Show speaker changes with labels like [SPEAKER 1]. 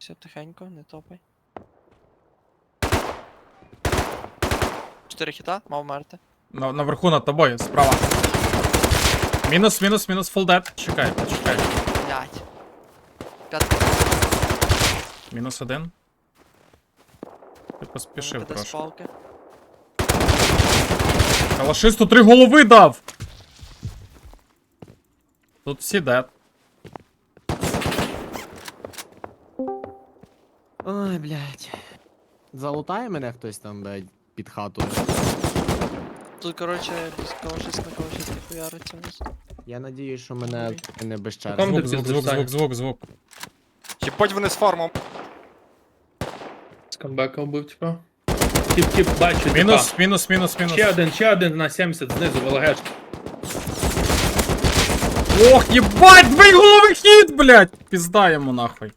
[SPEAKER 1] Все тихенько, не топай. 4 хіта, мав мерти.
[SPEAKER 2] Наверху над тобою, справа. Мінус, full dead. Чекай, почекай.
[SPEAKER 1] Блять. 5
[SPEAKER 2] Мінус 1. Ти поспішив
[SPEAKER 1] КД з
[SPEAKER 2] трошки.
[SPEAKER 1] палки.
[SPEAKER 2] Калашисту 3 голови дав! Тут всі дед.
[SPEAKER 3] Ой, блядь. Залутає мене хтось там, блядь, під хату.
[SPEAKER 1] Тут, короче, калашист на калашисті хуяриться у нас.
[SPEAKER 3] Я надіюсь, що мене не без
[SPEAKER 4] Там
[SPEAKER 3] черги.
[SPEAKER 4] де
[SPEAKER 2] Звук.
[SPEAKER 5] Їбать вони з фармом.
[SPEAKER 4] Скамбека вбив, типа. Тіп, бачу,
[SPEAKER 2] Мінус.
[SPEAKER 4] Ще один на 70 знизу, ВЛГшки.
[SPEAKER 2] Ох, єбать, 2 голови хід, блядь! Пізда йому нахуй.